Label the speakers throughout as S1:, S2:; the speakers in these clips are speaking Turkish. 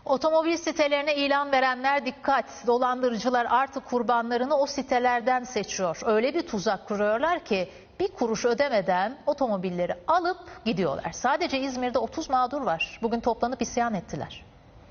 S1: Otomobil sitelerine ilan verenler dikkat. Dolandırıcılar artık kurbanlarını o sitelerden seçiyor. Öyle bir tuzak kuruyorlar ki bir kuruş ödemeden otomobilleri alıp gidiyorlar. Sadece İzmir'de 30 mağdur var. Bugün toplanıp isyan ettiler.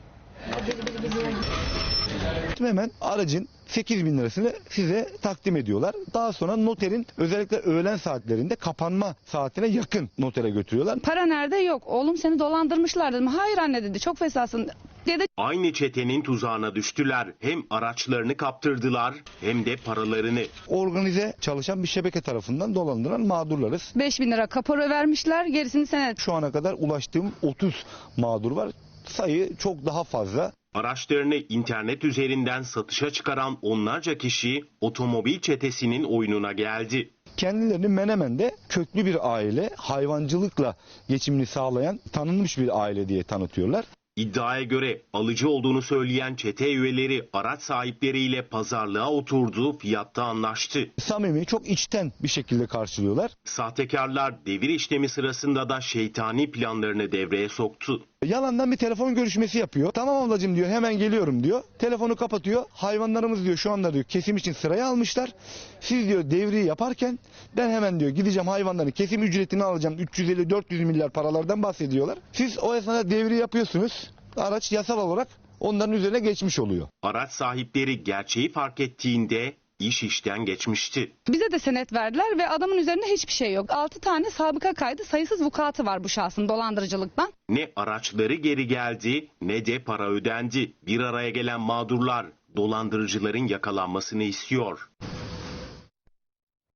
S2: Hemen aracın 8.000 lirasını size takdim ediyorlar. Daha sonra noterin özellikle öğlen saatlerinde kapanma saatine yakın notere götürüyorlar.
S3: Para nerede? Yok. Oğlum seni dolandırmışlar dedim. Hayır anne dedi. Çok fesasın dedi.
S4: Aynı çetenin tuzağına düştüler. Hem araçlarını kaptırdılar hem de paralarını.
S2: Organize çalışan bir şebeke tarafından dolandırılan mağdurlarız.
S3: 5.000 lira kapora vermişler. Gerisini sen.
S2: Şu ana kadar ulaştığım 30 mağdur var. Sayı çok daha fazla.
S4: Araçlarını internet üzerinden satışa çıkaran onlarca kişi otomobil çetesinin oyununa geldi.
S2: Kendilerini Menemen'de köklü bir aile, hayvancılıkla geçimini sağlayan tanınmış bir aile diye tanıtıyorlar.
S4: İddiaya göre alıcı olduğunu söyleyen çete üyeleri araç sahipleriyle pazarlığa oturdu, fiyatta anlaştı.
S2: Samimi, çok içten bir şekilde karşılıyorlar.
S4: Sahtekarlar devir işlemi sırasında da şeytani planlarını devreye soktu.
S2: Yalandan bir telefon görüşmesi yapıyor. Tamam ablacığım diyor, hemen geliyorum diyor. Telefonu kapatıyor. Hayvanlarımız diyor şu anda diyor kesim için sıraya almışlar. Siz diyor devriyi yaparken ben hemen diyor gideceğim hayvanların kesim ücretini alacağım. 350-400 milyar paralardan bahsediyorlar. Siz o esnada devri yapıyorsunuz. Araç yasal olarak onların üzerine geçmiş oluyor.
S4: Araç sahipleri gerçeği fark ettiğinde iş işten geçmişti.
S3: Bize de senet verdiler ve adamın üzerinde hiçbir şey yok. 6 tane sabıka kaydı, sayısız vukuatı var bu şahsın dolandırıcılıktan.
S4: Ne araçları geri geldi ne de para ödendi. Bir araya gelen mağdurlar dolandırıcıların yakalanmasını istiyor.